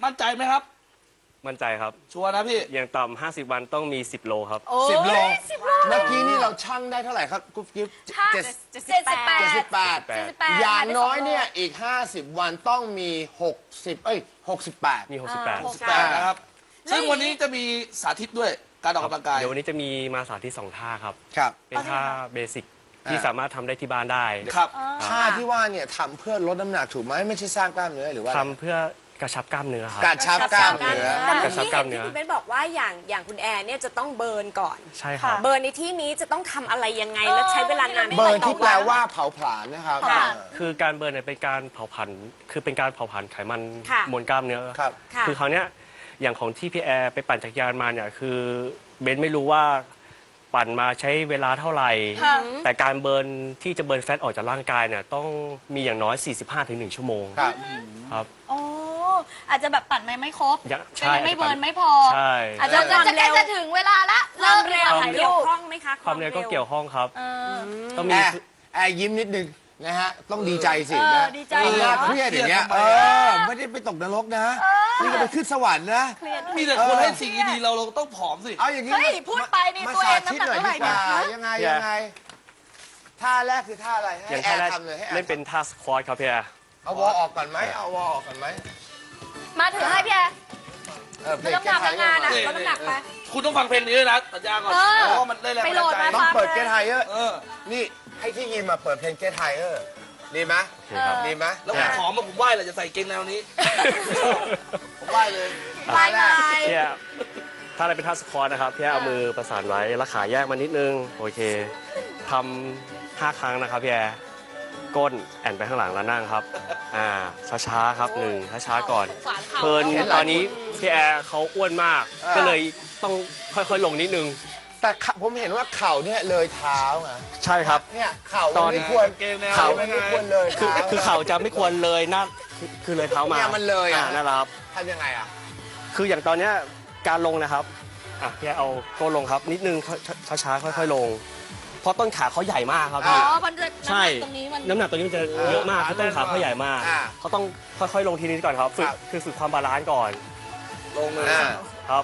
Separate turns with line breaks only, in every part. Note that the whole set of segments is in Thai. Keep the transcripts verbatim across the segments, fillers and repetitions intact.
มั่นใจไหมครับ
มั่นใจครับ
ชัวร์นะพี่
อย่างต่ำห้าสิบวันต้องมีสิบโลครับ
สิบโลเมื่อกี้นี่เราชั่งได้เท่าไหร่ครับกุ๊บกิ๊บ
เจ็ดสิบแปด
เจ็ดสิบแปดอย่างน้อยเนี่ยอีกห้าสิบวันต้องมีหกสิบเอ้ยหกสิบแปด
มีหกสิบแปด
นะครับซึ่งวันนี้จะมีสาธิตด้วยการออกกำลังกาย
เดี๋ยววันนี้จะมีมาสาธิตสองท่าครับ
ครับ
เป็นท่าเบสิกที่สามารถทำได้ที่บ้านได้
ครับ
ท่าที่ว่าเนี่ยทำเพื่อลดน้ำหนักถูกไหมไม่ใช่สร้างกล้ามเนื้อหรือว่า
ทำเพื่อกระชับกล้ามเนื้อครับ
กระชับกล้ามเนื้อ
แต่เมื่อกี้เห็นที่คุณเบนบอกว่าอย่างอย่างคุณแอร์เนี่ยจะต้องเบิร์นก่อน
ใช่ครับ
เบิร์นในที่นี้จะต้องทำอะไรยังไงแล้วใช้เวลานาน
เบิร์นที่แปลว่าเผาผลาญนะครับ
คือการเบิร์นเนี่ยเป็นการเผาผลาญคือเป็นการเผาผลาญไขมันมวลกล้ามเนื้อ
ครับ
คือคราวเนี้ยอย่างของที่พี่แอร์ไปปั่นจักรยานมาเนี่ยคือเบนไม่รู้ว่าปั่นมาใช้เวลาเท่าไหร่แต่การเบิร์นที่จะเบิร์นแฟตออกจากร่างกายเนี่ยต้องมีอย่างน้อย สี่สิบห้าถึงหนึ่ง ชั่วโมง
ครับ
ครับ
โอ้อาจจะแบบปั่นไม่ไม่ครบ
ใช่
ไม่เบิร์นไม่พอ
ใช่
อาจจะจะใกล้จะถึงเวลาละ
เริ่มเร็วเกี่ยวข้องไหมคะ
ความเร็วก็เกี่ยวข้องครับ
ต้องมีแอร์ยิ้มนิดนึงนะฮะต้องดีใจสินะ
ดีใจ
น่าเครียดอย่างเงี้ยเออไม่ได้ไปตกนรกนะนี่ก็ไปขึ้นสวรรค์นะ
มีแต่คนให้สิ่งดีเราเราต้องผอมสิ
เอาอย่างนี้
เฮ้ยพูดไปนี่ตัวเองน้ำหนักเท่าไหร่เนี่ย
ยังไงยังไงท่าแรกคือท่าอะไรให้แอร์ทำเลยให้แอร์
เล่นเป็นท่าสควอตครับพี่แอร์
เอาวอลออกก่อนไหมเอาวอลออกก่อนไหม
มาถือให้พี่แอร์
ลดน้ำหนักงานอ่ะลดน้ำหนักไป
คุณต้องฟังเพลงนี้ด้วยนะสัญญาก่อนเพราะมันได้แรงบันดาลใจ
ต้องเปิดเกทไฮเออร์นี่ให้ที่ยิมมาเปิดเพลงเกทไฮเออร์ดีไหมดีไหม
แล้วผมขอมาผมไหว้เลยจะใส่เกงแนวนี้ผมไหว้เลย
ไหว้เลย
พี่ถ้าอะไรเป็นท่าสควอตนะครับพี่เอามือประสานไว้แล้วขาแยกมานิดนึงโอเคทำห้าครั้งนะครับพี่แอร์ก้นแอนไปข้างหลังแล้วนั่งครับอ่าช้าๆครับหนึ่งช้าๆก่อนเพลินตอนนี้พี่แอร์เขาอ้วนมากก็เลยต้องค่อยๆลงนิดนึง
แต่ผมเห็นว่าเข่าเนี่ยเลยเท้าไง
ใช่ครับ
เนี่ยเข่าไม่ควรเข่าไม่ควรเลย
คือคือเข่าจะไม่ควรเลยหน้าคือเลยเท้ามา
เนี่ยมันเลยอ่ะ
นั่นแหละครับ
ทำยังไงอ่ะ
คืออย่างตอนเนี้ยการลงนะครับอ่ะพี่เอาก้นลงครับนิดนึงช้าๆค่อยๆลงเพราะต้นขาเขาใหญ่มากครับพี่ใช่น้ำหนักตรงนี้มันจะเยอะมากเพราะต้นขาเขาใหญ่มากเขาต้องค่อยๆลงทีนี้ก่อนครับฝึกคือฝึกความบาลานซ์ก่อน
ลงเลย
ครับ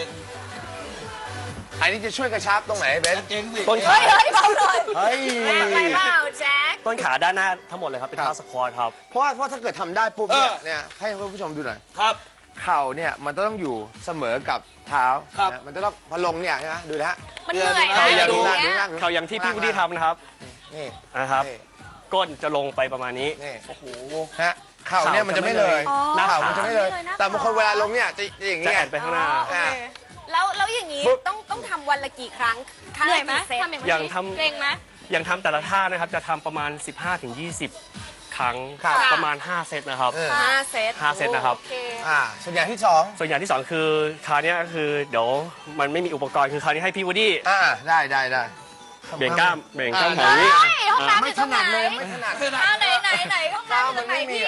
อันนี้จะช่วยกระชับตรงไหนเบน
ต้นขา
เฮ้ยเฮ้ยเบาหน่อย
เฮ้ย
ไปเปล่าแจ็ค
ต้นขาด้านหน้าทั้งหมดเลยครับเป็นท่าสควอตครับ
เพราะว่าเพราะถ้าเกิดทำได้ปุ๊บเนี่ยเนี่ยให้คุณผู้ชมดูหน่อย
ครับ
เข่าเนี่ยมันต้องอยู่เสมอกับเท้ามันจะต้องพลงเนี่ยใช่ไหมดูนะฮะ
มันเหนื่อย
เข่าอย่าง
ดู
เข่าอย่างที่พี่วุฒิทำนะครับ
นี่
นะครับก้นจะลงไปประมาณนี้
นี่โอ้โหฮะเข่าเนี่ยมันจะไม่เลยหน้าเข่ามันจะไม่เลยแต่บางคนเวลาลงเนี่ยจะอย่างเงี้ย
ไปข้างหน้า
แล้วแล้วอย่างนี้ต้องต้องทำวันละกี่ครั้ง
เหนื่อยไหม
อย่างท
ำเกรงไหม
อย่างทำแต่ละท่านะครับจะทำประมาณ สิบห้าถึงยี่สิบ ครั้งประมาณห้าเซตนะครับ
ห้าเซต
ห้าเซตนะครับ
อ่าส่วนอย่างที่สอง
ส่วนอย่างที่สองคือคราวนี้ก็คือเดี๋ยวมันไม่มีอุปกรณ์คือคราวนี้ให้พี่วูดดี้
อ่าได้ได้ได้
เบี่ยงกล้ามเบี่ยงกล้ามของนี้
ไม่ถนัดเลยไม่ถนัด
ไหนไหนไหนห้องน้ำตรงไหนพี่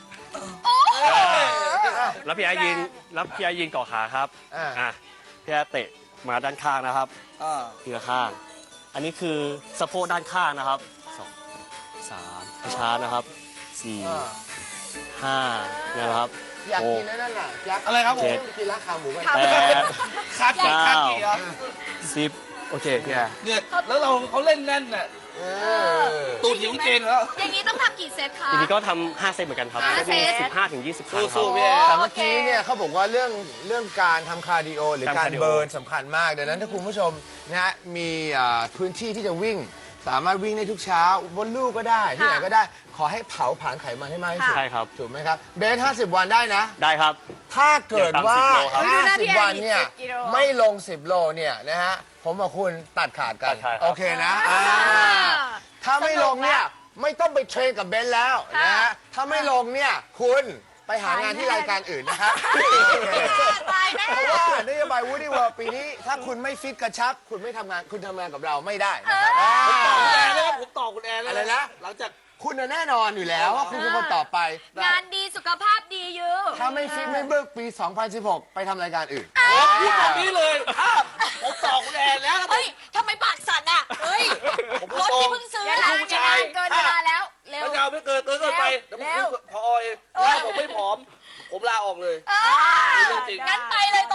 แล้วพี่ไอยืนแล้วพี่ไอยืนเกาะขาครับอ่าพี่ไอเตะมาด้านข้างนะครับทีละข้างอันนี้คือสะโพกด้านข้างนะครับสองสามช้านะครับสี่ห้าเนี่ยนะครับ
อยากกินนั่นน่ะยักษ์
อะไรครับผม
กินราคาหมูกัน
แปด
ขาดกี่ขาดกี่ครับ
สิบโอเคพี่
เนี่ยแล้วเราเขาเล่นแน่นน่ะตูดหิวเกณฑ์แล้ว
อย่างนี้ต้องทำกี่เซตคะ
ทีนี้ก็ทำห้าเซตเหมือนกันครับสิบห้าถึงยี่สิบครั้งครับ
แต่เมื่อกี้เนี่ยเขาบอกว่าเรื่องเรื่องการทำคาร์ดิโอหรือการเบิร์นสำคัญมากดังนั้นถ้าคุณผู้ชมนะฮะมีพื้นที่ที่จะวิ่งสามารถวิ่งได้ทุกเช้าบนลู่ก็ได้ที่ไหนก็ได้ขอให้เผาผลาญไขมันให้มากที่สุด
ใช่ครับ
ถูกไหมครับเบนห้าสิบวันได้นะ
ได้ครับ
ถ้าเกิดว่าห้าสิบวันเนี่ยไม่ลงสิบโลเนี่ยนะฮะผมกับคุณตัดขาดกันโอเคนะถ้าไม่ลงเนี่ยไม่ต้องไปเทรนกับเบนแล้วนะฮะถ้าไม่ลงเนี่ยคุณไปหางานที่รายการอื่นนะครับเพราะว่านโยบาย Woody World ปีนี้ถ้าคุณไม่ฟิตกระชับคุณไม่ทำงานคุณทำงานกับเราไม่ได้นะครับ
ผมต่อคุณแอนแล้วผมต่อคุณแอนแล้ว
อะไรนะ
หลังจาก
คุณแน่นอนอยู่แล้วว่าคุณเป็นคนต่อไป
งานดีสุขภาพดีอยู่
ถ้าไม่ฟิตไม่เบิกปีสองพันสิบหกไปทำรายการอื่น
พูดแบบนี้เลยผมต่อคุณแอนแล้ว
เฮ้ยทำไมปากสั่นอ่ะเฮ้ยรถที่เพิ่งซื้อแล้วเกินเวลาแล้ว
เร็วไม่เอาไม่เกินเกินเกินไปเดี๋ยวผมพอเองแล้วผมไม่ผอมผผมลาออกเลย
เออ
เรื่องจริง
งั้นไปเลย